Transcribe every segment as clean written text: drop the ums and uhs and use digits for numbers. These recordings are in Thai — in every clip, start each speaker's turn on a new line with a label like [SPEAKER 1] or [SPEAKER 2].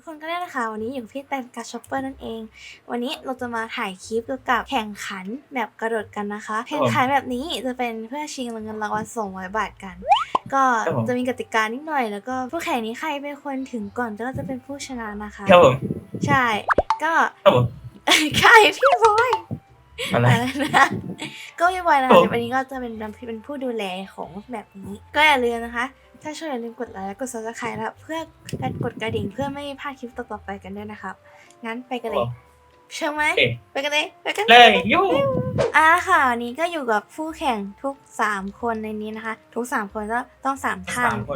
[SPEAKER 1] คนก็ได้นะคะวันนี้อยู่กับพี่แตนกับช็อปเปอร์นั่นเอง วันนี้เราจะมาถ่ายคลิปเกี่ยวกับแข่งขันแบบกระโดดกันนะคะ แข่งขันแบบนี้จะเป็นเพื่อชิงเงินรางวัล200 บาทกัน ก็จะมีกติกานิดหน่อยแล้วก็ผู้แข่งนี้ใครเป็นคนถึงก่อนก็จะเป็นผู้ชนะนะคะ
[SPEAKER 2] ครับผม
[SPEAKER 1] ใช่ก็
[SPEAKER 2] ครับผม
[SPEAKER 1] ใช่พี่บอย
[SPEAKER 2] อะไร
[SPEAKER 1] นะก็พี่บอยนะคะวันนี้ก็จะเป็นผู้ดูแลของแบบนี้ ก็อย่าลืมนะคะ ถ้าช่วยอย่าลืมกดไลค์และกด subscribe แล้วเพื่อกดกระดิ่งเพื่อไม่พลาดคลิปต่อๆไปกันด้วยนะครับ งั้นไปกันเลยเชื่อไหมไปกันเลย
[SPEAKER 2] เลยยู
[SPEAKER 1] ค่ะวันนี้ก็อยู่กับผู้แข่งทุก3คนในนี้นะคะ ทุก3คนก็ต้อง3ท่าน
[SPEAKER 2] 3 คน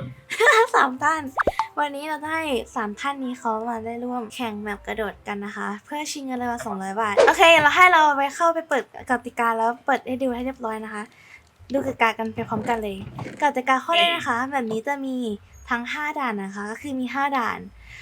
[SPEAKER 1] 3 ท่าน วันนี้เราได้3ท่านนี้เขามาได้ร่วมแข่งแบบกระโดดกันนะคะ เพื่อชิงเงินรางวัล200 บาทโอเคเราให้เราไปเข้าไปเปิดกติกาแล้วเปิดให้ดูให้เรียบร้อยนะคะดูกติกากันไปพร้อมกันเลยกติกาข้อแรกนะคะแบบนี้จะมีทั้ง5ด่านนะคะก็คือมี5ด่าน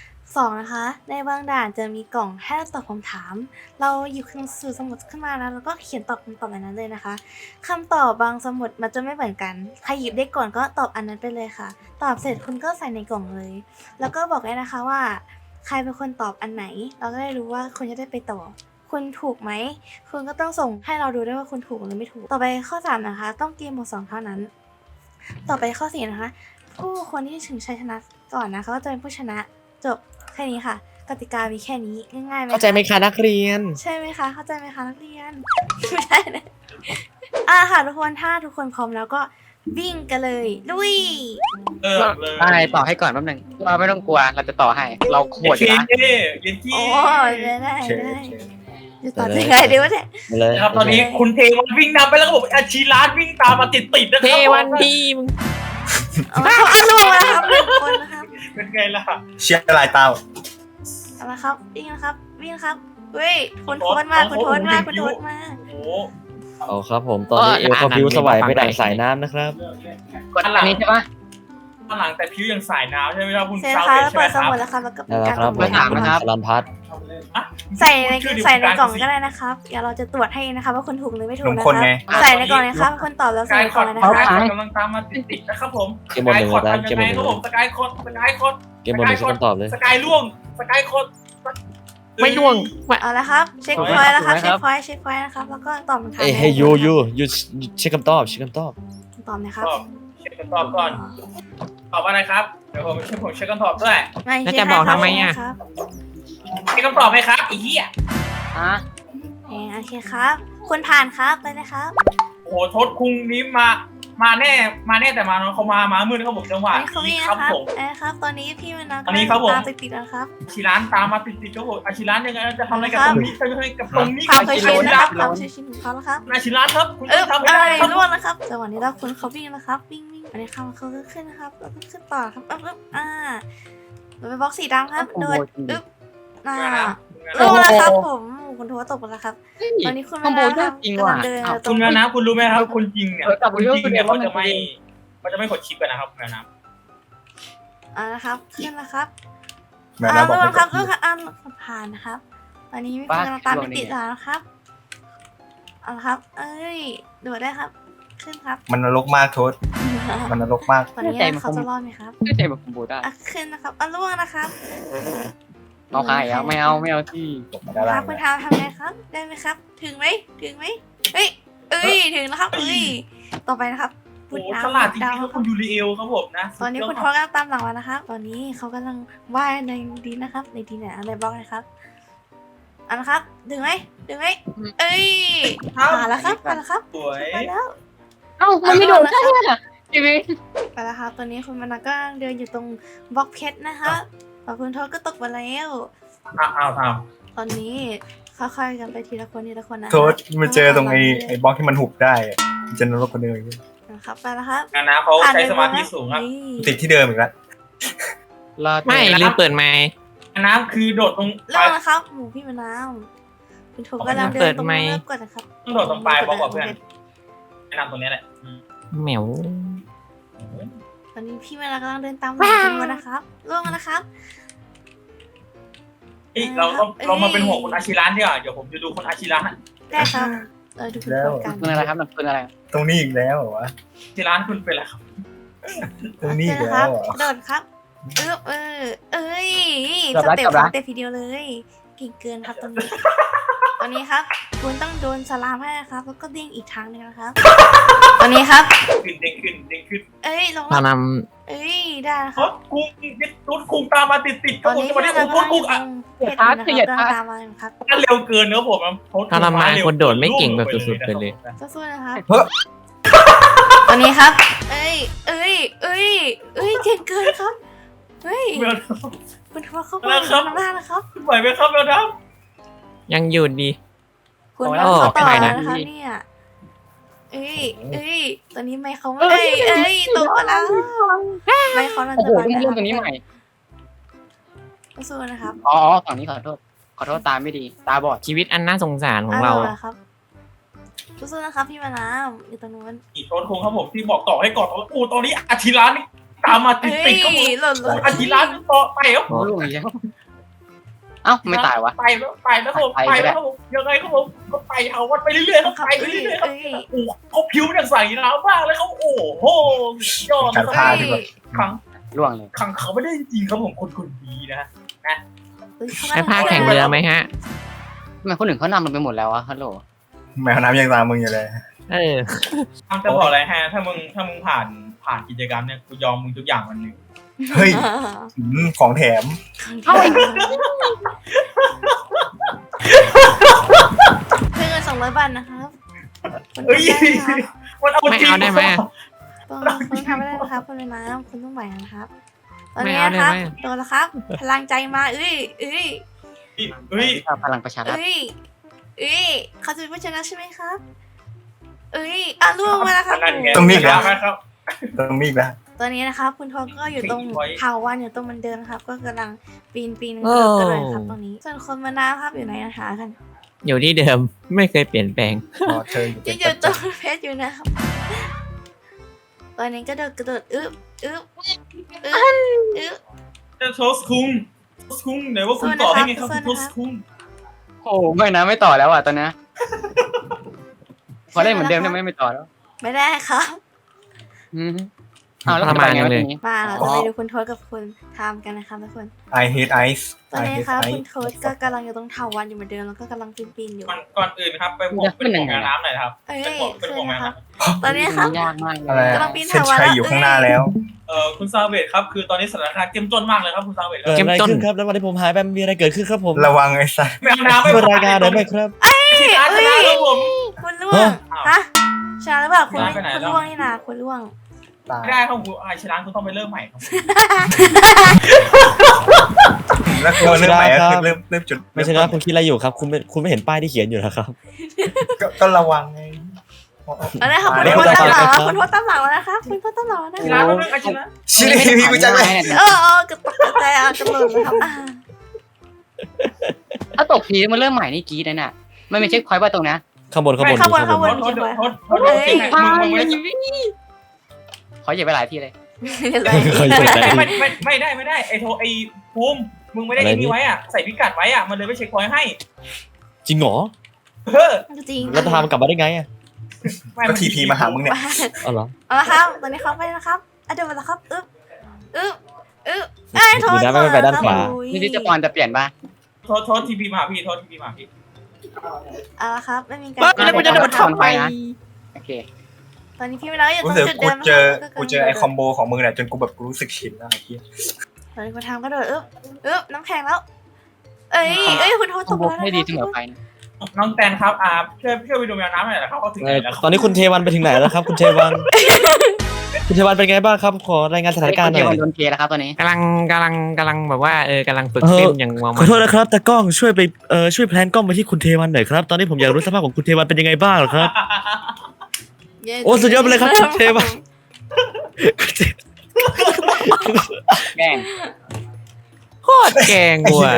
[SPEAKER 1] 2นะคะในบางด่านจะมีกล่องให้เราตอบคำถามเราหยิบสื่อสมุดขึ้นมาแล้วก็เขียนตอบคำตอบในนั้นเลยนะคะคำตอบบางสมุดมันจะไม่เหมือนกันใครหยิบได้ก่อนก็ตอบอันนั้นไปเลยค่ะตอบเสร็จคุณก็ใส่ในกล่องเลยแล้วก็บอกได้นะคะว่าใครเป็นคนตอบอันไหนเราก็ได้รู้ว่าคุณจะได้ไปต่อคุณถูกไหมคุณก็ต้องส่งให้เราดูด้วยว่าคุณถูกหรือไม่ถูกต่อไปข้อ3นะคะต้องเกมหมด2เท่านั้นต่อไปข้อ4นะคะผู้คนที่ถึงชัยชนะก่อนนะคะก็จะเป็นผู้ชนะจบแค่นี้ค่ะกติกามีแค่นี้ง่ายๆไหม
[SPEAKER 3] เข้าใจไหมคะนักเรียน
[SPEAKER 1] ใช่ไหมคะเข้าใจไหมคะนักเรียน ไม่ใช่นะค่ะทุกคนถ้าทุกคนพร้อมแล้วก็วิ่งกันเลยลุย
[SPEAKER 2] เลย
[SPEAKER 3] ได้ต่อให้ก่อนแป๊บหนึงเราไม่ต้องกลัวเราจะต่อให้ เราโหดอ
[SPEAKER 2] เย็
[SPEAKER 3] ยู่
[SPEAKER 2] น
[SPEAKER 3] นะ
[SPEAKER 2] เย็นที่
[SPEAKER 1] โอ้ได้จะต่อยังไงดีวะเนี่ย
[SPEAKER 3] เลย
[SPEAKER 2] นะครับตอนนี้คุณเทวันวิ่งนำไปแล้วก็บอกอาชีร้านวิ่งตามมาติดๆนะครับ
[SPEAKER 3] เทวันดีมึง
[SPEAKER 1] เอาลงมาครับ1 คนนะครับ
[SPEAKER 2] เป็นไงล่ะ
[SPEAKER 4] เชียร์ลายเต้า
[SPEAKER 1] เอาละครับวิ่งนะครับวิ่งนะครับเฮ้ยคุณโทษมาคุณโทษมา
[SPEAKER 2] โอ้โห
[SPEAKER 5] เอาครับผมตอนนี้เอลเขาพิวสวายไปดังสายน้ำนะครับ
[SPEAKER 3] กดอันนี้ใช่ปะ
[SPEAKER 2] ข้างหลังแต่ผิวยังสายน้ำใช่ไหมครับคุณ
[SPEAKER 1] เสร็จ
[SPEAKER 2] เช้า
[SPEAKER 1] ค่ะ
[SPEAKER 2] เป็
[SPEAKER 1] แล้ว
[SPEAKER 2] ใช่ไหม
[SPEAKER 1] เปิด
[SPEAKER 2] ค
[SPEAKER 1] ส
[SPEAKER 2] รับ
[SPEAKER 1] มุดแล้วครับแล้วก็เป็
[SPEAKER 5] นั่
[SPEAKER 1] น
[SPEAKER 5] นแห
[SPEAKER 1] กา
[SPEAKER 5] ละ
[SPEAKER 1] ร
[SPEAKER 5] ครับผม
[SPEAKER 3] ถามนะครับ
[SPEAKER 5] สลันพัด
[SPEAKER 1] ใส่ในกล่องก็ได้นะครับเดี๋ยวเราจะตรวจให้นะคะว่าคุณถูกหรือไม่ถู
[SPEAKER 4] ห
[SPEAKER 1] ก
[SPEAKER 4] นุ่ม
[SPEAKER 1] นะ
[SPEAKER 4] คน
[SPEAKER 1] ครับ
[SPEAKER 4] ไง
[SPEAKER 1] ใส่ในกล่องเลยครับคนตอบแล้ว
[SPEAKER 2] ส
[SPEAKER 1] ใส่
[SPEAKER 2] กาย
[SPEAKER 1] ใน
[SPEAKER 2] ค
[SPEAKER 1] กล่
[SPEAKER 2] อ
[SPEAKER 1] อง
[SPEAKER 2] ร์ด
[SPEAKER 1] เลยนะครับ
[SPEAKER 2] กำลังตามมาติดๆนะครับผม
[SPEAKER 5] เกมบนหนึ่งนะเกมบนหนึ่ง
[SPEAKER 2] ครับผมสกายคอร์ดสกายคอร์ด
[SPEAKER 5] เกมบนหนึ่งฉันต้องตอบเลย
[SPEAKER 2] สกายล่วงสกายคอร์ด
[SPEAKER 3] ไม่ล่วง
[SPEAKER 1] เอาละครับเช็คพอยต์แล้วครับเช็คพอยต์นะครับแล้วก็ตอบคำถาม
[SPEAKER 5] เอ้ยให้ยูเช็คคำตอบเช็คคำตอบ
[SPEAKER 1] ตอบนะครับ
[SPEAKER 2] ตอบเช็คกันตอบก่อนตอบอะไรครับเดี๋ยวผมเช็คกันตอบด้วย
[SPEAKER 1] ไม่
[SPEAKER 3] แล้วจะบอกทำไมอะ
[SPEAKER 1] ครับ
[SPEAKER 2] เช็คคำตอบไหมครับไอ้เหี้ย
[SPEAKER 3] อ่ะ
[SPEAKER 1] โอเคครับคุณผ่านครับไปเลยครับ
[SPEAKER 2] โอ้โหทศคุงนี้มาแน่แต่มาเขามามืดเขาบอกจังหวะ
[SPEAKER 1] อันนี้เขาวิ่ง
[SPEAKER 2] ค
[SPEAKER 1] นะ
[SPEAKER 2] รับ
[SPEAKER 1] ครับ
[SPEAKER 2] ผม
[SPEAKER 1] ครับตอนนี้พี่มันนะ
[SPEAKER 2] อันนี้ครับผม
[SPEAKER 1] ตามติดๆแล้วครับ
[SPEAKER 2] อาชิร้านตามมาติดๆเขาบอกอาชิร้านยังไงจะทำอะไรกับตรงนี้จะทำอะไรกับตรงนี้
[SPEAKER 1] ความเคยชินนะครับ
[SPEAKER 2] ค
[SPEAKER 1] ครับ วามเคยชินของเขาแล้วครับ
[SPEAKER 2] อาชิร้านครับคุณ
[SPEAKER 1] ทำ
[SPEAKER 2] ทำ
[SPEAKER 1] อะ
[SPEAKER 2] อะไร ไรครับ
[SPEAKER 1] ร่วงนะครับจังหวะนี้เราคุณเขาวิ่งนะครับวิ่งอันนี้เขาก็ขึ้นนะครับแล้วก็ขึ้นต่อครับเราไปบล็อกสีดำครับโดดลงแล้วครับผมคุณโทรตกแล้วครับตอนนี้คุณ
[SPEAKER 3] คอมโบยากจริงว่ะ
[SPEAKER 1] เดิน
[SPEAKER 2] คุณนะคุณรู้ไหมครับคนจริงเนี่ย
[SPEAKER 3] แต่ผม
[SPEAKER 2] คน
[SPEAKER 3] รู้
[SPEAKER 2] จริง
[SPEAKER 3] สึก
[SPEAKER 2] เนี่ย
[SPEAKER 3] ว่า
[SPEAKER 2] เขา
[SPEAKER 3] มัน
[SPEAKER 2] จะไม่กดชิปกันนะครับคุณนะ
[SPEAKER 1] นะครับขึ้นแล้วครับ
[SPEAKER 4] แม่นะบอก
[SPEAKER 1] ทุก
[SPEAKER 4] ไม่
[SPEAKER 1] คนครับ
[SPEAKER 4] ก
[SPEAKER 1] ทุ
[SPEAKER 4] ด
[SPEAKER 1] กคนผ่านนะครับ ตอนนี้มีคนกำลังตามไปติดแล้วนะครับเอาละครับ เอ้ยโดดได้ครับ ขึ้นครับ
[SPEAKER 4] มันนรกมากโทษมันนรกมาก
[SPEAKER 1] ตอนนี้เขาจะรอดไหมครับ
[SPEAKER 3] ไม่ใช่แบบคอมโบได้
[SPEAKER 1] ขึ้นนะครับล่วงนะครับ
[SPEAKER 3] เอาใครอ่ะไม่เอาที่
[SPEAKER 4] ตกมาด้าน
[SPEAKER 1] ค
[SPEAKER 4] ล่า
[SPEAKER 1] รับ
[SPEAKER 4] ง
[SPEAKER 1] คุณทำไงครับ ได้ไหมครับ ถึงไหมเฮ้ยถึงแล้วครับต่อไปนะครับ
[SPEAKER 2] โอ้ฉลาดจริงๆครับคุณยูริเอลครับผมนะ
[SPEAKER 1] ตอนนี้คุณทอกำลังตามหลังมานะครับ ตอนนี้เขากำลังว่ายในดินนะครับ ในดินเนี่ยอะไรบล็อกนะครับเอาละครับถึงไหมผ่านแล้วครับ
[SPEAKER 2] สวย
[SPEAKER 1] ไปแล้ว
[SPEAKER 3] เอ้ามันไม่โดนใช่ไหมชีวิต
[SPEAKER 1] ไปแล้วครับตอนนี้คุณมานาก็เดินอยู่ตรงบล็อกเพชรนะคะพอคุณทอก็ตกมาแล้ว
[SPEAKER 2] อ้าว
[SPEAKER 1] ตอนนี้ค่อยๆกันไปทีละคนนะ
[SPEAKER 4] โทษมาเจอตรงไอ้บล็อกที่มันหุบได้อะมันจะนรกกว่าเดิมอีก
[SPEAKER 1] นะครับไปแล้วครับ
[SPEAKER 2] นะเขาใช้สมาธิสูงครับ
[SPEAKER 4] ติดที่เดิมอีกแล้ว
[SPEAKER 3] ไม่ลืมเปิดไมค์
[SPEAKER 2] น้ำคือโดดตรง
[SPEAKER 1] เริ่มนะครับหมูพี่มะนาวคุณโทกำลังเดินตรงเริ่มก่อนนะครับ
[SPEAKER 2] ต้องโดดตรงปลายบล็อกกับเพื่อนแนะนำตรงนี้แหละ
[SPEAKER 3] เหมียว
[SPEAKER 1] ตอนนี้พี่มะนาวกำลังเดินตามหลังคุณนะครับล่วงนะครับ
[SPEAKER 2] เรามาเป็นห่วงคุณอาชิรันดีกว่าเดี๋ยวผมจะดูคุณอาชิรัน
[SPEAKER 1] ได้ครับดูคุณโทกัน
[SPEAKER 3] เป็นอะไรครับนักเป็นอะไร
[SPEAKER 4] ตรงนี้อีกแล้วเหรอวะ
[SPEAKER 2] อาชิรันคุณเป็นอะไรครับ
[SPEAKER 4] ตรงนี้อีก
[SPEAKER 1] นะค
[SPEAKER 4] แล้
[SPEAKER 1] รับ
[SPEAKER 4] วเหรอ
[SPEAKER 1] โดดครับ
[SPEAKER 4] โ
[SPEAKER 1] เอ้ย
[SPEAKER 3] จบ
[SPEAKER 1] ส
[SPEAKER 3] ละ
[SPEAKER 1] เต็ป
[SPEAKER 3] จบ
[SPEAKER 1] ส
[SPEAKER 3] ละ
[SPEAKER 1] เต็ปทีเดียวเลยเก่งเกินครับตอนนี้ ตอนนี้ครับคุณต้องโดนสลามให้นะครับแล้วก็เด้งอีกทางหนึงนะครับ ตอนนี้ครับ
[SPEAKER 2] ขึ้นเด้งขึ้น
[SPEAKER 1] เอ้ยลง
[SPEAKER 5] ถ้า
[SPEAKER 1] แล้ว
[SPEAKER 5] น
[SPEAKER 1] เอ้ยได้นะค
[SPEAKER 2] ร
[SPEAKER 1] รับ
[SPEAKER 2] ถกุ้งรถกุ้งตามมาติดค
[SPEAKER 1] ต
[SPEAKER 2] รั
[SPEAKER 1] อบ น
[SPEAKER 2] ผม
[SPEAKER 1] นี้
[SPEAKER 2] จะมา
[SPEAKER 1] ที่
[SPEAKER 2] ได้
[SPEAKER 1] เรา
[SPEAKER 2] กุ้งกุ้ง
[SPEAKER 1] กำลั
[SPEAKER 2] อ่ะ
[SPEAKER 1] งเพชรอยู่นะครับกำลังตามมาอยู่ครับ
[SPEAKER 2] เร็วเกินเนอะผมเขา
[SPEAKER 5] ำถ้าทำมาคนโดดไม่เก่งแบบสุดๆไปเลย
[SPEAKER 1] สู้ๆนะครับ
[SPEAKER 4] เฮ้ย
[SPEAKER 1] ตอนนี้ครับ เอ้ยเก่งเกินครับเฮ้ย
[SPEAKER 2] เมล
[SPEAKER 1] คุณทัวร์เข้ามาข้างหน้านะครับ
[SPEAKER 2] ไหวไหมครับเมลน้
[SPEAKER 5] ยังอยู่ดี
[SPEAKER 1] คุณ
[SPEAKER 3] โอ้
[SPEAKER 1] ทัวร์เข้าต่อ
[SPEAKER 5] ไม่ไหว
[SPEAKER 1] แล้ว
[SPEAKER 5] นะ
[SPEAKER 1] นะครับเนี่ยเอ้ยตอนนี้ไม่เขาไม่ตกแล้วไม่เขาเรา
[SPEAKER 3] โอ้
[SPEAKER 1] จะ
[SPEAKER 3] โห
[SPEAKER 1] มา
[SPEAKER 3] ต้องเริ่มตรงนี้ใหม่
[SPEAKER 1] สู้ๆนะครับ
[SPEAKER 3] อ๋อฝั่งนี้ขอโทษตาไม่ดีตาบอด
[SPEAKER 5] ชีวิตอันน่าสงสารของเรา
[SPEAKER 1] ครับสู้ๆนะครับพี่มาน้ำอยู่ตรงนู้น
[SPEAKER 2] ำอีกรถกุ้งครับผมที่บอกต่อให้ก่อนโอ้ตอนนี้อาทิร้านนี่ตามมาติดครับผม
[SPEAKER 1] หล่น
[SPEAKER 2] อาทิร้านต่อไปครับ
[SPEAKER 3] โอ้ลูกอีกแล้วเอ้าไม่ตายวะ
[SPEAKER 2] ไปแล้วครับผมไปแล้วครับผมยังไงครับผมก็ไปเอาวัดไปเรื่อยๆครับไปเรื่อยๆครับโอ้เขาผิวอย่างใสน้ำมากเลยเขาโอ้โหยอด
[SPEAKER 4] การ
[SPEAKER 2] ค
[SPEAKER 4] พา
[SPEAKER 2] รับ
[SPEAKER 4] ดีกว่า
[SPEAKER 2] ขัง
[SPEAKER 3] ล่วงเลย
[SPEAKER 2] ขังเขาไม่ได้จริงๆครับผมคนดีนะ
[SPEAKER 5] ให้พาแข่งเรือไหมฮะ
[SPEAKER 3] ทำไมคนอื่นเขานำเราไปหมดแล้ววะฮัลโหล
[SPEAKER 4] แมวน้ำยังตามมึงอยู่เลย
[SPEAKER 5] เออ
[SPEAKER 2] ทำจะบอกอะไรฮะถ้ามึงผ่านกิจกรรมเนี่ยกูยอมมึงทุกอย่างวันหนึ่ง
[SPEAKER 4] เฮ้ยของแถม
[SPEAKER 1] เพื่อเงิน200 บาทนะครับคุณ
[SPEAKER 2] เฮ้ย มันเอาจริง
[SPEAKER 5] ไม่เอาได้ไหม
[SPEAKER 1] คุณทำไม่ได้นะครับคุณเป็นน้ำคุณต้องไหวนะครับตอน
[SPEAKER 5] ไม่
[SPEAKER 1] นี้
[SPEAKER 5] เอา
[SPEAKER 1] นะ
[SPEAKER 5] ได้
[SPEAKER 1] ครับ
[SPEAKER 5] ไหม
[SPEAKER 1] โดนแล้วครับ พลังใจมาเอ้ย
[SPEAKER 2] เฮ้ย
[SPEAKER 3] พลังประชารัฐ
[SPEAKER 1] เขาจะเป็นผู้ชนะใช่ไหมครับล่วงมาแล้วครับ
[SPEAKER 4] ต้องมีอีกแล้ว
[SPEAKER 2] ครับ
[SPEAKER 4] ต้องมีอีกแล้ว
[SPEAKER 1] ตอนนี้นะครับคุณทองก็อยู่ตรงเถาวันอยู่ตรงมันเดิมครับ ก็กำลังปีน
[SPEAKER 5] โอ้
[SPEAKER 1] กระโดดครับตรงนี้ ส่วนคนมานาครับอยู่ไหนนะคะกัน
[SPEAKER 5] อยู่ที่เดิมไม่เคยเปลี่ยนแปลง
[SPEAKER 4] พอเธออยู่
[SPEAKER 1] จะอยู่ตรงเพชรอยู่นะครับ ตอนนี้ก็กระโดดอึ๊บ
[SPEAKER 2] โทสคุ้งไหนว่าคุณต่อให้ไงครับโทสคุ้ง
[SPEAKER 3] โอ้ไม่นะไม่ต่อแล้วอ่ะตอนนี้พอได้เหมือนเดิมได้ไหมไม่ต่อแล้ว
[SPEAKER 1] ไม่ได้ครับ
[SPEAKER 3] เอาแล้วจะไปไงวะทีนี้
[SPEAKER 1] มาเราจะไปดูคุณโทษกับคุณทามกันนะครับทุกคน
[SPEAKER 4] I hate ice
[SPEAKER 1] ตอน
[SPEAKER 4] I
[SPEAKER 1] นี้
[SPEAKER 4] hate
[SPEAKER 1] ครับ
[SPEAKER 4] ice
[SPEAKER 1] คุณโทษก็กำลังอยู่ตรงเถาวันอยู่เหมือนเดิมแล้วก็กำลังปีนอยู่
[SPEAKER 2] ก่อนอื่นครับไปบอกเป็นของน้ำหน่อยครับ
[SPEAKER 1] ขึ้
[SPEAKER 2] เป็น
[SPEAKER 1] น
[SPEAKER 2] ของ
[SPEAKER 1] นะค
[SPEAKER 2] น้ำ
[SPEAKER 1] รับ ตอนนี้ครับ
[SPEAKER 3] ยากมาก
[SPEAKER 4] อะไร
[SPEAKER 3] เลย
[SPEAKER 1] กำลังปีน
[SPEAKER 4] เส้น
[SPEAKER 1] เถาวัลย์
[SPEAKER 4] ชัยอยู่ข้างหน้าแล้ว
[SPEAKER 2] คุณซาเวตครับคือตอนนี้สถานการณ์เข้มข้นมากเลยครับคุณซาเวต
[SPEAKER 6] เกิดอะไรขึ้นครับแล้ววันที่ผมหายไปมีอะไรเกิดขึ้นครับผม
[SPEAKER 4] ระวังไอ้สัส
[SPEAKER 2] ไม่เอาน้ำไม่
[SPEAKER 6] ช่วยรายงานหน่อยไหมครับ
[SPEAKER 2] ชนะครับผม
[SPEAKER 1] คุณล่วงฮะชนะหรือเปล่าคุณล่วงนี่นะคุณล่วง
[SPEAKER 4] ตาย
[SPEAKER 2] ไม่ได้ครับคุณไอชนะคุณต้องไปเริ่มใหม่ครับ
[SPEAKER 4] แล้วคือเริ่มใหม่ก็คือเริ่มจุด
[SPEAKER 6] ไม่ใช่นะคุณคิดอะไรอยู่ครับ คุณไม่เห็นป้ายที่เขียนอยู่นะครับ
[SPEAKER 4] ก็ระวังไง
[SPEAKER 1] เอาละครับคุณโทษตามหลังแล้วคุณโทษตามหลังแล้วนะครับคุณโทษตามหลังแล้วนะ
[SPEAKER 2] ชนะก็เรื่องไอชนะ
[SPEAKER 4] ชิพี่กูจะไม่
[SPEAKER 1] กระตกกระจายกระโดดเลยครับ
[SPEAKER 3] ถ้าตกทีมันเริ่มใหม่นี่กรีดนะน่ะไม่เช็คพอยต์ว่าตรงนะ
[SPEAKER 6] ข้างบน
[SPEAKER 2] โทษ
[SPEAKER 3] ขอเหยียบไปหลายที่เลย
[SPEAKER 2] ไม่ได้ไอโทไอภูมิมึงไม่ได้ไอ้นี่ไว้อ่ะใส่พิกัดไว้อ่ะมันเลยไม่เช็คพอยต์ให้
[SPEAKER 6] จริงเหรอ
[SPEAKER 1] จริง
[SPEAKER 6] แล้วจะทำกลับมาได้ไงอ่ะ
[SPEAKER 4] ก็ทีพีมาหามึงเนี่ย
[SPEAKER 6] อ๋อเหรอ
[SPEAKER 1] เอาละครับตอนนี้เขาไปนะครับเดี๋ยวมาแล้วครับได้โทษ
[SPEAKER 6] ดีนะไม่ไปด้านขวา
[SPEAKER 3] นี่ที่จะปอนจะเปลี่ยนป่ะ
[SPEAKER 2] โทษทีพีมาพี่โทษทีพีมาพี่
[SPEAKER 1] เอาละครับไม่มีการ
[SPEAKER 3] แล้วกูจะโดนทำไมนะโอเค
[SPEAKER 1] ตอนนี้พี่ไม่ได้อยู่ต
[SPEAKER 4] กู
[SPEAKER 1] รง
[SPEAKER 4] เจอ
[SPEAKER 1] จุด
[SPEAKER 4] กู
[SPEAKER 1] เดิม
[SPEAKER 4] เจอไอ้คอมโบของมึงเนี่ยจนกูแบบรู้สึกชินแล้วไอ้เหี้ย
[SPEAKER 1] ตอนนี้คุณทำก็โดดน้ำแข็งแล้วคุณโทษต
[SPEAKER 3] ต้อง
[SPEAKER 1] ก
[SPEAKER 3] บุก
[SPEAKER 1] แล้ว
[SPEAKER 3] ให้ดีเสมอไปนะ
[SPEAKER 2] น้องแตนครับช่วยไปดูแมวน้ำหน่อยนะครับเขาถึงไหนแล้ว
[SPEAKER 6] ตอนนี้คุณเทวันไปถึงไหนแล้วครับ คุณเทวัน คุณเทวันเป็นไงบ้างครับ ขอรายงานสถานการณ์หน่อย
[SPEAKER 3] โดนเทแล้วครับตอนนี้
[SPEAKER 5] กำลังแบบว่ากำลังฝึกเต้นอย่างมัว
[SPEAKER 6] ข
[SPEAKER 5] มั
[SPEAKER 6] อโทษนะครับตากล้องช่วยไปช่วยแพลนกล้องไปที่คุณเทวันหน่อยครับ ตอนนี้ผมอยากรู้สภาพของคุณเทวันเป็นยังไงบ้างเหรอครับ โอ้สุดยอดไปเลยครับคุณเทวัน
[SPEAKER 3] แกล้ง
[SPEAKER 5] โคตรแกงว่ะ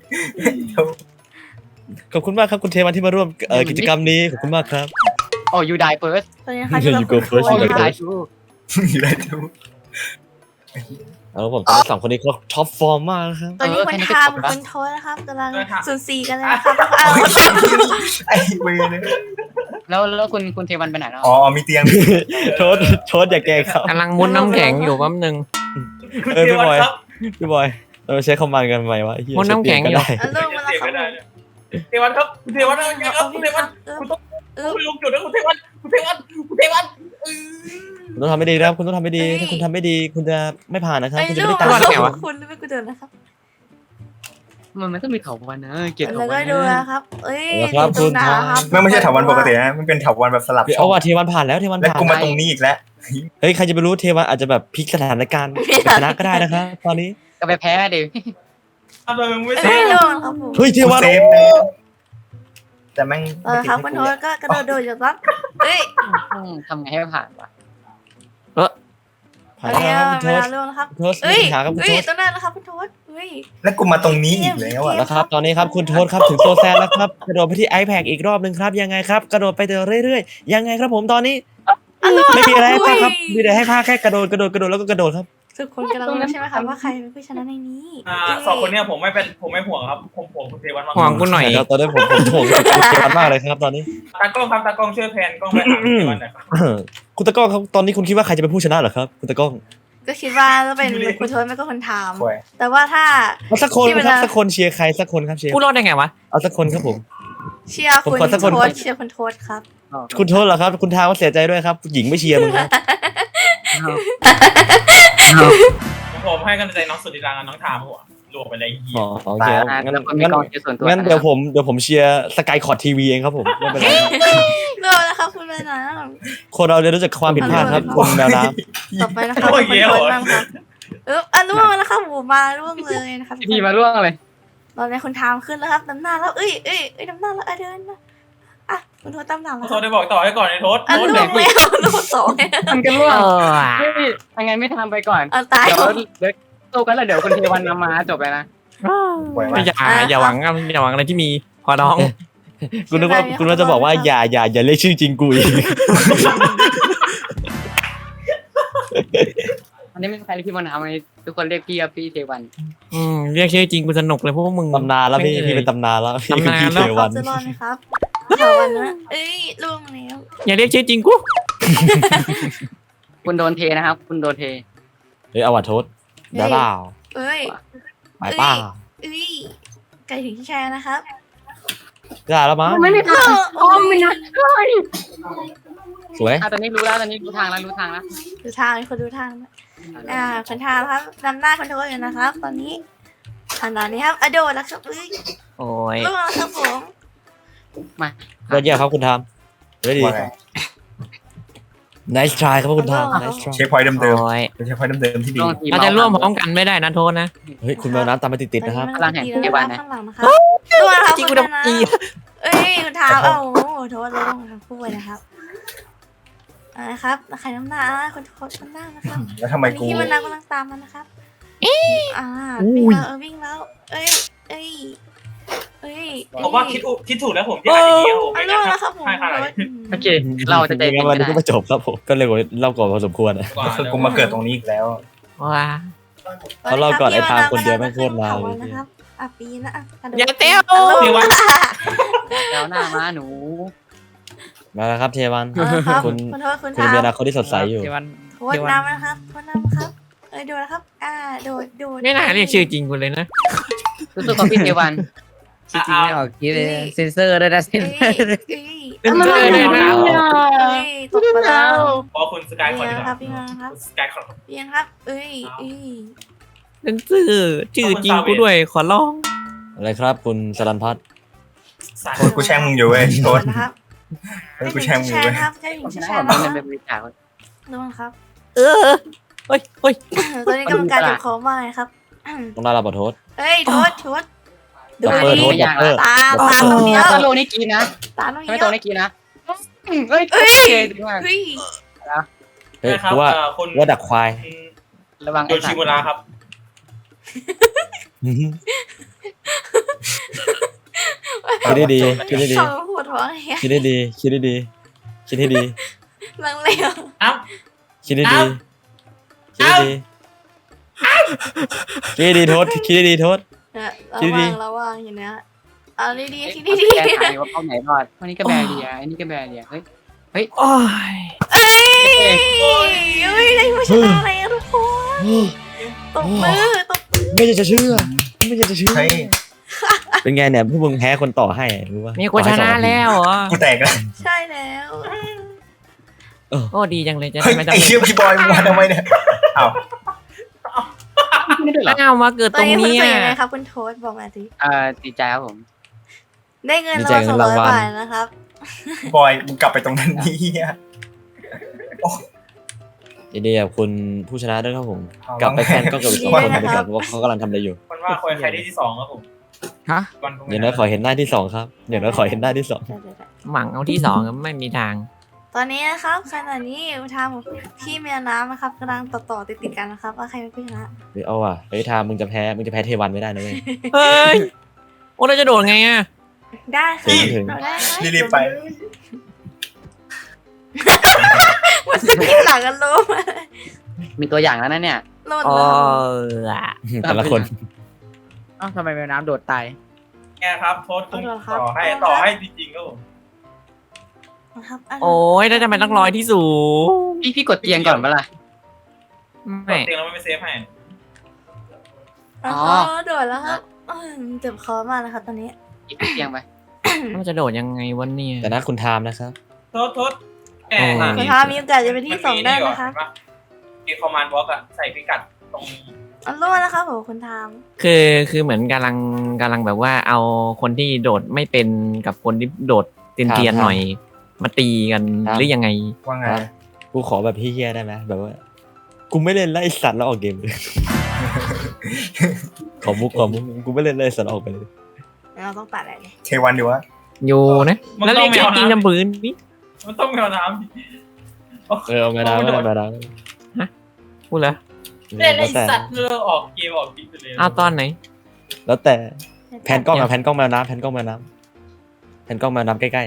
[SPEAKER 6] ขอบคุณมากครับคุณเทวันที่มาร่วมกิจกรรมนี้ขอบคุณมากครับ
[SPEAKER 3] โอ้ยูไดเฟิร์ส
[SPEAKER 1] ตอนนี้นะคะที่เรา
[SPEAKER 6] You go first
[SPEAKER 3] โอ้
[SPEAKER 6] you
[SPEAKER 3] ยู
[SPEAKER 6] go
[SPEAKER 3] ได
[SPEAKER 6] first
[SPEAKER 3] ชู
[SPEAKER 4] อยู่ได้ดู
[SPEAKER 6] เอาผมตอนนี้สองคนนี้เขาท็อปฟอร์มมากนะครับ
[SPEAKER 1] ตอนนี้คุณทามคุณโทษนะครับกำลัง0-4กันเลยนะครับ
[SPEAKER 4] ไอ้เวรเลย
[SPEAKER 3] แล้วคุณเทวันไปไหนแล้ว
[SPEAKER 4] อ๋อมีเตียง
[SPEAKER 6] โทษอย่าแกล้งครับ
[SPEAKER 5] กำลังมุนน้ำแข็งอยู่แป๊บนึง
[SPEAKER 2] คุณเทวันครับ
[SPEAKER 6] พี่บอยเราใช้คอมมานด์กันไหมวะไอ้เหี้ย
[SPEAKER 5] มดน้ำแข็ง
[SPEAKER 6] ใช้
[SPEAKER 5] อยู่
[SPEAKER 6] เปลี่ยนกันได้
[SPEAKER 1] เอาลงมาแล้วครับ
[SPEAKER 2] เทวันครับคุณเทวันเอาไงครับคุณเทวันคุณต้องคุณลงจุดนะคุณเทวันคุณเทวันคุณเทวัน
[SPEAKER 6] คุณต้องทำไม่ดีนะครับคุณต้องทำไม่ดีถ้าคุณทำไม่ดีคุณจะไม่ผ่านนะครับ
[SPEAKER 1] ไอ้
[SPEAKER 6] คุณจะ
[SPEAKER 1] ลู
[SPEAKER 6] ไม่
[SPEAKER 1] ก
[SPEAKER 6] ได้ตาม
[SPEAKER 5] รอดไงวะ
[SPEAKER 1] คุณไม่กูเดินนะครับ
[SPEAKER 3] มันต้องมีเถาวันนะเกลียด
[SPEAKER 1] แล้
[SPEAKER 3] เถาว วั
[SPEAKER 1] ก็
[SPEAKER 3] น
[SPEAKER 1] ดู
[SPEAKER 3] นะ
[SPEAKER 1] นะครับเอ้ย
[SPEAKER 6] ครับคุณ
[SPEAKER 1] ดูนะครับ
[SPEAKER 4] ไม่ใช่ถาวันปกตินะมันเป็นถาวันแบบสลับช่
[SPEAKER 6] เอา
[SPEAKER 4] อง
[SPEAKER 6] ว่ะเทวันผ่านแล้วเทวัน
[SPEAKER 4] และ
[SPEAKER 6] ผ่าน
[SPEAKER 4] กูมาตรงนี้อีกแล้ว
[SPEAKER 6] เฮ้ยใครจะไปรู้เทวันอาจจะแบบพลิกสถานการณ์เป็นชนะก็ได้นะครับตอนนี้
[SPEAKER 3] ก็ไปแพ้ดิ
[SPEAKER 2] ทำไมมึงไม่
[SPEAKER 1] เอ้
[SPEAKER 2] เซ
[SPEAKER 1] ย
[SPEAKER 2] ฟ
[SPEAKER 1] ดูนะครับผม
[SPEAKER 6] เฮ้ยเท
[SPEAKER 4] กู
[SPEAKER 6] วัน
[SPEAKER 4] เซฟเลยแต่แม่ง
[SPEAKER 1] ครับ
[SPEAKER 4] ไม่
[SPEAKER 1] คุณ
[SPEAKER 4] ติด
[SPEAKER 1] โทษก็กระโดดอยู่ครับเอ้ย
[SPEAKER 3] ทำไงให้ผ่านวะ
[SPEAKER 6] ผ่านแล้วครับคุณโท
[SPEAKER 1] เว
[SPEAKER 6] ษ
[SPEAKER 1] ลาเร็วนะครับ
[SPEAKER 6] โทษ
[SPEAKER 1] เอ้ย
[SPEAKER 6] หาครับคุณ
[SPEAKER 1] เอ้
[SPEAKER 6] โท
[SPEAKER 1] ย
[SPEAKER 6] ษ
[SPEAKER 1] ต้องได้แล้วครับคุณโทษเอ้ย
[SPEAKER 4] แล้วกูมาตรงนี้อีกแล้วอ่ะ
[SPEAKER 6] แล้วครับตอนนี้ครับคุณโทษครับถึงโซแซนแล้วครับกระโดดไปที่ iPad อีกรอบหนึ่งครับยังไงครับกระโดดไปเรื่อยๆยังไงครับผมตอนนี้ไม่มีอะไรให้พากครับมีแต่ให้พากแค่กระโดดแล้วก็กระโดดครับ
[SPEAKER 1] ทุกคนกำลังรู้ใช่ไหมครับว่าใครเป็นผู้ชนะในนี้
[SPEAKER 2] สองคนเนี้ยผมไม่ห่วงครับผมห่วงคุณเทวันมาก
[SPEAKER 5] ห่วงกูหน่อย
[SPEAKER 6] ครับตอนนี้ผมถ่วงเทวันมากเลยครับตอนนี้
[SPEAKER 2] ตากล้องครับตากล้องช่วยแพนกล้องไปหาคุณเทวันหน่อยครับ
[SPEAKER 6] คุณตะก้องครับตอนนี้คุณคิดว่าใครจะเป็นผู้ชนะเหรอครับคุณตะก้อง
[SPEAKER 1] ก็คิดว่าจะเป็นคุณโทษไม่ก็คนถาม
[SPEAKER 4] ป่วย
[SPEAKER 1] แต่ว่าถ้า
[SPEAKER 6] เอาสักคน
[SPEAKER 1] ที่เว
[SPEAKER 6] ค
[SPEAKER 1] ลา
[SPEAKER 6] รับสักคนเชียร์ใครสักคนครับเชียร์
[SPEAKER 5] กูรอดได้ไงวะ
[SPEAKER 6] เอาสักคนครับผม
[SPEAKER 1] เชียร์คุณ
[SPEAKER 6] ผมขอสักคน
[SPEAKER 1] โทษเชียร์คุณโทษครับ
[SPEAKER 6] คุณโทษเหรอครับคุณทางก็เสียใจด้วยครับหญิงไม่เชียร์มึงนะ
[SPEAKER 2] ผมให้กำลังใจน้องสุดที่รักน้องทามหัวรวมไปเลยเหี้ย
[SPEAKER 6] อ๋อโอเคครับ
[SPEAKER 3] งั้
[SPEAKER 6] งั้
[SPEAKER 3] น
[SPEAKER 6] น
[SPEAKER 3] มี
[SPEAKER 6] งั้น
[SPEAKER 3] กองเชียร์ส่วนตัว
[SPEAKER 6] งั้นเดี๋ยวผมเชียร์สกายคอร์ดทีวีเองครับผมไม่เป็นไรครับ
[SPEAKER 1] เริ่มแล้วครับคุณแม่น้
[SPEAKER 6] คนเราเรียนรู้จักความผิดพลาดครับคุณแมวน้
[SPEAKER 1] ำต่อไปนะครับคุณโทษบ้างครับล่วงแล้วครับผมมาล่วงเลยนะครับ
[SPEAKER 3] พี่มาล่วงเลย
[SPEAKER 1] ตอนนี้คุณทามขึ้นแล้วครับน้ำหน้าแล้วเอ้ยน้ำหน้าแล้วเดินมาอ่ะคุณโทษตามหลังแล้ว
[SPEAKER 2] โทษได้บอกต่อให้ก่อนไอ้โทษ
[SPEAKER 1] ล่วงแล้วล่วงสอง
[SPEAKER 3] ทำกันล่วง
[SPEAKER 5] เออ
[SPEAKER 3] ยังไงไม่ทำไปก่อน
[SPEAKER 1] ตาย
[SPEAKER 3] เดี๋ยวสู้กันแล้วเดี๋ยวคุณเทวันนำมาจบเลยนะ
[SPEAKER 4] ป่วย
[SPEAKER 5] ไม่
[SPEAKER 4] มาก
[SPEAKER 5] อย่าหวังอะไรที่มีขอร้อง
[SPEAKER 6] ำคุณนึกว่าคุณว่าจะบอกว่าอย่าเรียกชื่อจริงกูอีก
[SPEAKER 3] อันนี้ไม่มีใครเรียกพี่มานาวไงทุกคนเรียกพี่เทวัน
[SPEAKER 5] เรียกชื่อจริงกูสนุกเลยเพราะว่ามึง
[SPEAKER 6] ตำนานแล้วพี่เป็นตำนานแล้วพี่คือพี่
[SPEAKER 5] ตำนานแล้ว
[SPEAKER 6] เท
[SPEAKER 1] เขา
[SPEAKER 6] วัน
[SPEAKER 1] จะรอดไหมครับถาวันนะล่วงแล้ว
[SPEAKER 5] อย่าเรียกชื่อจริงกู
[SPEAKER 3] คุณโดนเทนะครับ คุณโดนเท
[SPEAKER 6] เฮ้ยเอาวัดโทษได้เปล่า
[SPEAKER 1] เอ้ย
[SPEAKER 6] ไปเปล่า
[SPEAKER 1] ไก่ถึงที่แชร์นะครับ
[SPEAKER 6] ได้แล้วมั้ง
[SPEAKER 3] ไม่ทำโอ้ไม่นะ
[SPEAKER 6] สวย
[SPEAKER 3] ตอนนี้รู้แล้วตอนนี้รู้ทางแล้ว
[SPEAKER 1] ดูทางคนดูทางคนทางครับนำหน้าคนโทษอยู่นะครับ ตอนนี้ขนาดนี้ครับโดดแล้วครับ
[SPEAKER 5] โอ้ย
[SPEAKER 1] ล่วงแล้วครับผม
[SPEAKER 6] ยอดเยี่ยมครับคุณทามเฮ้ยดี
[SPEAKER 4] ว่าไง
[SPEAKER 6] nice try ครับคุณทาม nice try
[SPEAKER 4] เชฟพอยต์เดิม
[SPEAKER 5] โอ้ย
[SPEAKER 4] ๆเป็นเชฟพอยต์เดิมๆที่ดี
[SPEAKER 5] เราจะร่วมพร้อมกันไม่ได้นะโทษนะ
[SPEAKER 6] เฮ้ยคุณแมวน้ำตามมาติดๆนะครับ
[SPEAKER 1] ข้างหลังนะครับล่วงครับ
[SPEAKER 5] จริง
[SPEAKER 1] คุ
[SPEAKER 5] กู
[SPEAKER 1] ณ
[SPEAKER 5] จะ
[SPEAKER 1] นะ
[SPEAKER 5] อี
[SPEAKER 1] คุณทามโทษล่วงทั้งคู่เลยนะครับนะครับใครน้ำหน้าคนโทษน้ำหน้านะครับ
[SPEAKER 4] แล้วทำไมกู
[SPEAKER 1] ที่มันกำลังตามมันนะครับวิ่งแล้ว
[SPEAKER 2] ผมว่าคิดถูกแล้วผมที่อ่านอย่างนี้ผมไม่
[SPEAKER 1] ล่วง
[SPEAKER 2] งั้น
[SPEAKER 1] แล้วครับผม
[SPEAKER 2] ใช่ขนาดนี้
[SPEAKER 3] โอเค เราจะใจ
[SPEAKER 6] จริ
[SPEAKER 3] เย็
[SPEAKER 6] ง
[SPEAKER 3] น
[SPEAKER 6] ๆวัน
[SPEAKER 3] ไม่
[SPEAKER 6] นี้
[SPEAKER 3] ได้
[SPEAKER 6] ก็ไม่จบครับผมก็เร็วกว่าเล่าก่อนพอสมควรอะ
[SPEAKER 4] คือกูมาเกิดตรงนี้อีกแล้ว
[SPEAKER 5] ว้า
[SPEAKER 6] เขาเล่าก่อนไอ้ทางคนเดียวแม่งโคตรนานเลย
[SPEAKER 1] นะครับปีนะกระโดด
[SPEAKER 5] อย่าเต้ว
[SPEAKER 3] แล้วหน้ามาหนู
[SPEAKER 6] มาแล้วครับเทวัน คุณ
[SPEAKER 1] โทษคุณ
[SPEAKER 6] คุณมีอนาคตที่สดใสอยู่
[SPEAKER 5] เดี๋ยววัน
[SPEAKER 1] โทษน้ำนะครับโทษน้ำครับดูนะครับโดด
[SPEAKER 5] ไม่น่าเรียกชื่อจริงกูเลยนะ
[SPEAKER 3] สู้ๆกับพี่เทวัน
[SPEAKER 5] จริงไม่ออกคิดเลยเซนเซอร์ด้วยนะเซนเซอร์
[SPEAKER 1] ตกไปแล้ว
[SPEAKER 2] พอคุณสกายคอน
[SPEAKER 1] เพี
[SPEAKER 2] ดี
[SPEAKER 1] ยง
[SPEAKER 2] ก
[SPEAKER 1] ครั
[SPEAKER 2] ว่า
[SPEAKER 1] บเพียงครับ
[SPEAKER 2] สกายคอน
[SPEAKER 1] เพียงครับ
[SPEAKER 5] เซนเซอร์ชื่อจริงกูด้วยขอร้อง
[SPEAKER 6] อะไรครับคุณสรันพัฒน์
[SPEAKER 4] โทษกูแช่งมึงอยู่เว้ยโทษ
[SPEAKER 1] นะครับ
[SPEAKER 4] โทษกูแช่งมึงอยู่เว้ย
[SPEAKER 1] ครับใช่ถึง
[SPEAKER 3] ชนะ
[SPEAKER 1] แช
[SPEAKER 3] ผ
[SPEAKER 1] ร์
[SPEAKER 3] ม
[SPEAKER 1] นะ
[SPEAKER 3] เงินไปบริจาค
[SPEAKER 1] ดูครับ
[SPEAKER 5] เฮ้ย
[SPEAKER 1] ตอนนี้กรรมการจับของมาครับ
[SPEAKER 6] ต้องได้รับขอโทษ
[SPEAKER 1] โทษดู
[SPEAKER 6] ดับเบิล
[SPEAKER 1] ดี
[SPEAKER 6] โทษดับเบิล
[SPEAKER 1] ตาตรงนี้
[SPEAKER 3] ถ้าโลนี้กินนะ
[SPEAKER 1] ตาตรง
[SPEAKER 3] ถ้า
[SPEAKER 1] นี้
[SPEAKER 3] ไม่ตรงนี้กินนะเฮ้ยเก่งมาก
[SPEAKER 1] เฮ้ย
[SPEAKER 6] เฮ้ย
[SPEAKER 2] นะครับ
[SPEAKER 6] กูว่าดักควาย
[SPEAKER 3] ระวัง
[SPEAKER 2] โดนชิมุระครับ
[SPEAKER 6] คิดได้ดีคิดได้ดี
[SPEAKER 1] เขาปวดท้องไง
[SPEAKER 6] คิดได้ดีคิดได้ดีคิดให้ดี
[SPEAKER 1] ลังเลว
[SPEAKER 6] คิดได้ดีคิดได้ดีคิดได้ดีโทษคิดได้ดีโทษ
[SPEAKER 1] ระวังอย่างเนี้ยดีๆคิด
[SPEAKER 3] ดี
[SPEAKER 1] ดี
[SPEAKER 3] แก้ไขว่าเขาไหนรอดวันนี้ก็แบเรียอันนี้ก็แบเรียเฮ้ย
[SPEAKER 5] โอ้ย
[SPEAKER 1] ได้ผู้ชนะอะไรทุกคนตบมือตบ
[SPEAKER 6] ไม่อยากจะเชื่อไม่อยากจะเชื่อ
[SPEAKER 4] เฮ้ย
[SPEAKER 6] เป็นไงเนี่ยพวกมึงแพ้คนต่อให้รู้ป่ะ
[SPEAKER 5] มีคนชนะแล้วเหรอ
[SPEAKER 4] กูแตกแล้ว
[SPEAKER 1] ใช่แล้ว
[SPEAKER 5] โอ้ดีจังเลยจะ
[SPEAKER 4] เฮ้
[SPEAKER 5] ได้
[SPEAKER 4] ย
[SPEAKER 5] ไม่ต้อง
[SPEAKER 4] ไอ้เชี่ยพี่บอยมึงมาทำไมเนี่ยอ้าว
[SPEAKER 3] ไม่ได้เหรอ
[SPEAKER 5] อ้าวมาเกิด
[SPEAKER 1] ต
[SPEAKER 5] ต
[SPEAKER 1] อ
[SPEAKER 5] ร
[SPEAKER 1] น
[SPEAKER 5] ง
[SPEAKER 1] นี้คุณ
[SPEAKER 5] เนี้ย
[SPEAKER 1] รู้สึกยังไงครับคุณโทษบอกมาสิ
[SPEAKER 3] ดีใจครับผม
[SPEAKER 1] ได้เงินรางวัล200 บาทนะครับ
[SPEAKER 4] บอยมึงกลับไปตรงนั้นนี่เฮีย
[SPEAKER 6] ยินดีกับคุณผู้ชนะด้วยครับผมกลับไปแคนก็กับอีก2 คนไปกันว่าเขากำลังทำอะไรอยู่
[SPEAKER 2] มันว่าใครได้ที่2ครับผม
[SPEAKER 5] ฮะ
[SPEAKER 2] วันพรุ่ง
[SPEAKER 6] อย่างน้อยขอเห็นหน้าที่2ครับอย่างน้อยขอเห็นหน้าที่2
[SPEAKER 5] หวังเอาที่สองไม่มีทาง
[SPEAKER 1] ตอนนี้นะครับขณะนี้ทางพี่แมวน้ำนะครับกำลังต่อติดกันนะครับว่าใครเป็นผู้ชนะ
[SPEAKER 6] เฮ้ยเอาว่ะเฮ้ยทามมึงจะแพ้เทวันไม่ได้นะเว้ย
[SPEAKER 5] เฮ้ยโอ้เราจะโดดไงอ่ะ
[SPEAKER 1] ได้ค่ะ
[SPEAKER 6] ถึง
[SPEAKER 1] เราได้ไหม
[SPEAKER 4] รีบๆไป
[SPEAKER 1] มันจะมีหลังกันรู้ไหม
[SPEAKER 3] มีตัวอย่างแล้วนะเนี่ย
[SPEAKER 1] โหลด
[SPEAKER 5] อ๋อ
[SPEAKER 1] แล้ว
[SPEAKER 6] แต่ละคน
[SPEAKER 7] เอ้าทำไมแมวน้ำโดดตาย
[SPEAKER 2] แกครับโทษคุณต่อให้จริงๆครับผม
[SPEAKER 1] นะครับ
[SPEAKER 5] โอ้ยแล้วทำไมต้องลอยที่สูง
[SPEAKER 3] พี่กดเตียงก่อนเปะล่า
[SPEAKER 5] ไม่
[SPEAKER 2] เตียงเราไม่เซฟให้
[SPEAKER 1] อ๋อโดดแล้วครับเจ็บคอมากนะครับตอนนี้
[SPEAKER 3] อีกเตียงไป
[SPEAKER 5] มันจะโดดยังไงวะเนี่ย
[SPEAKER 6] แต่นะคุณทามนะครับ
[SPEAKER 2] โทษแก
[SPEAKER 1] คุณทามีโอกาสจะเป็นที่ 2 ได้นะคะ
[SPEAKER 2] มีคอมมานด์บล็อกอะใส่พิกัดตรง
[SPEAKER 1] อันรู้นะครับผมคุณทาม
[SPEAKER 5] คือเหมือนกำลังแบบว่าเอาคนที่โดดไม่เป็นกับคนที่โดดเตียนๆหน่อย มาตีกันหรือยังไง
[SPEAKER 4] ว่าไง
[SPEAKER 6] ครับกูขอแบบพี่เฮียได้ไหมแบบว่ากูไม่เล่นไล่สัตว์แล้วออกเกมเลย ขอมุกกูไม่เล่นไล่สัตว์แล้วออกไปเลย
[SPEAKER 1] เราต้องตัดอะไรเนี่ย
[SPEAKER 4] เทวันดีวะ
[SPEAKER 5] อยู่นะแล้วเรียกชื่อจริงจำปืนนี่
[SPEAKER 2] มันต้องแมวน้
[SPEAKER 6] เอามาดาวมาดาว
[SPEAKER 5] พูดเหรอ
[SPEAKER 2] ำเล่นไอ้สัตว์เราออกเกมออกคลิปไปเลย
[SPEAKER 5] อ้าวตอนไหน
[SPEAKER 6] แล้วแต่แผนกล้องแผนกล้องแมวน้ำแผนกล้องแมวน้ำใกล้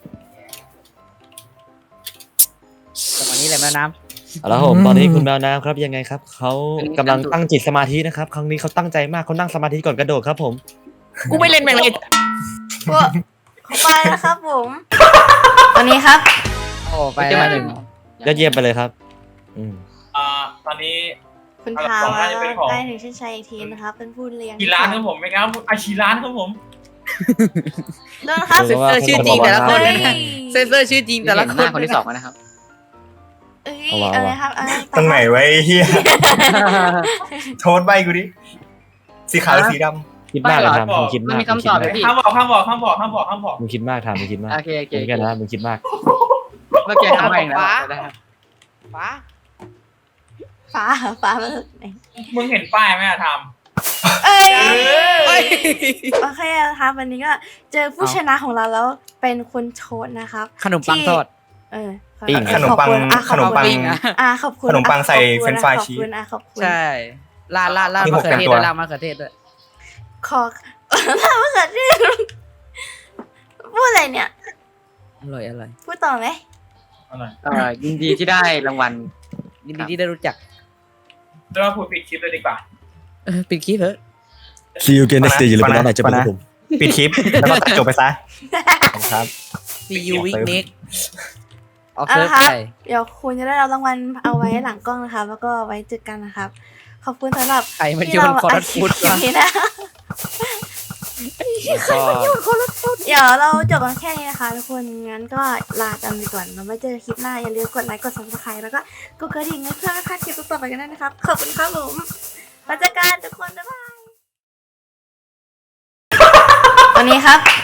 [SPEAKER 7] จังหวะนี้แหละแมวน้
[SPEAKER 6] ๆเอาละผมตอนนี้คุณแมวน้ำครับยังไงครับเขากำลังตั้งจิตสมาธินะครับครั้งนี้เขาตั้งใจมากเขานั่งสมาธิก่อนกระโดดครับผม
[SPEAKER 5] กูไม่เล่นแม่งเลย
[SPEAKER 1] พวกเข้าไปนะครับผม ตอนนี้ครับ
[SPEAKER 7] ำโอ้ไป
[SPEAKER 3] ไป
[SPEAKER 7] แล้ว
[SPEAKER 3] มาถึง
[SPEAKER 6] ยอดเยี่ยมไปเลยครับ
[SPEAKER 2] ตอนนี้
[SPEAKER 1] คุณทามใกล้ถึงเส้นชัยอีกทีนะครับ เป็นผู้เลี้ยง
[SPEAKER 2] กี่ล้านครับผมไหมครับอาชีล้านครับผม
[SPEAKER 1] เรื่องนะครับ
[SPEAKER 6] เซ็นเซอร์ชื่อจริงแต่ละคน
[SPEAKER 1] เอ้ย
[SPEAKER 7] เซนเซอร์ชื่อจริงแต่ละ
[SPEAKER 3] เห็น
[SPEAKER 7] ค
[SPEAKER 3] ห
[SPEAKER 7] น
[SPEAKER 3] น้าคนที่2แล้วนะครับ
[SPEAKER 1] เอ้ยอะไรครับอะไร
[SPEAKER 4] ตรงไหนไว้เฮียโทษใบกูดิสีขาวหรือสีด
[SPEAKER 6] คิดมากเลยทำมึงคิด
[SPEAKER 3] มัน
[SPEAKER 6] มาก
[SPEAKER 3] มีคำตอบเลยพี่
[SPEAKER 2] ห้ามบอก
[SPEAKER 6] มึงคิดมากทำมึงคิดมาก
[SPEAKER 3] โอเค
[SPEAKER 6] มึงกันนะมึงคิดมาก
[SPEAKER 3] เมื่อกี้ทำเองแล้วได้ครับ
[SPEAKER 7] ฟ้า
[SPEAKER 1] ฟ้ามาจากไหน
[SPEAKER 2] มึงเห็นป้ายไหมอะท
[SPEAKER 1] เอ้ย
[SPEAKER 7] เฮ้ย
[SPEAKER 1] โอเคนะครับวันนี้ก็เจอผู้ชนะของเราแล้วเป็นคุณโชตนะครับ
[SPEAKER 7] ขนมปังทอด
[SPEAKER 4] ำขนมปัง
[SPEAKER 1] ขอบคุณ
[SPEAKER 7] ปิ้งอะ
[SPEAKER 1] ขอบคุณ
[SPEAKER 4] ขนมปังใส่เฟรนช์ฟรายชีส
[SPEAKER 1] ขอบคุณ
[SPEAKER 7] ใช่ลาด
[SPEAKER 4] นี่
[SPEAKER 7] มะ
[SPEAKER 4] ผม
[SPEAKER 7] เขือเทศ
[SPEAKER 4] แต่งตัว
[SPEAKER 7] ด้วยลาดมะเขือเทศด้วย
[SPEAKER 1] ขอมะเขือเทศพูดอะไรเนี่ย
[SPEAKER 7] อร่อย
[SPEAKER 1] พูดต่อไหม
[SPEAKER 2] ำ
[SPEAKER 3] ยินดีที่ได้รางวัล
[SPEAKER 7] ยินดีที่ได้รู้จัก
[SPEAKER 2] จะมาพูดปิดคลิปเลยดีกว่า
[SPEAKER 7] ปิดคลิปเถอะ
[SPEAKER 6] See you again next day อย่าลืมไปร้านไหนจะเป็นผม
[SPEAKER 4] ปิดคลิปแล้วก็ตัดจบไปซะขอบคุณครับ
[SPEAKER 7] See you week next ออก
[SPEAKER 1] เอา
[SPEAKER 7] เซิร์
[SPEAKER 1] ละ
[SPEAKER 7] ฟ
[SPEAKER 1] ครับ
[SPEAKER 7] ไป
[SPEAKER 1] เดี๋ยวคุณจะได้รับรางวัลเอาไว้หลังกล้องนะครับ แล้วก็ไว้เจอกันนะครับ ขอบคุณสำหรับ
[SPEAKER 7] ใครมัน
[SPEAKER 1] ที่
[SPEAKER 7] โย
[SPEAKER 1] เรา
[SPEAKER 7] นคอร์ดฟุต
[SPEAKER 1] อัดคลิป
[SPEAKER 7] วะ
[SPEAKER 1] นี้นะ เดี๋ยวเราจบกันแค่นี้นะคะทุกคนงั้นก็ลากันไปก่อนเราไว้เจอคลิปหน้าอย่าลืมกดไลค์กด subscribe แล้วก็กดกระดิ่งให้เพื่อไม่พลาดคลิปต่อไปกันด้วยนะครับขอบคุณครับผมมาเจอกันทุกคนบ๊ายบายวันนี้ครับ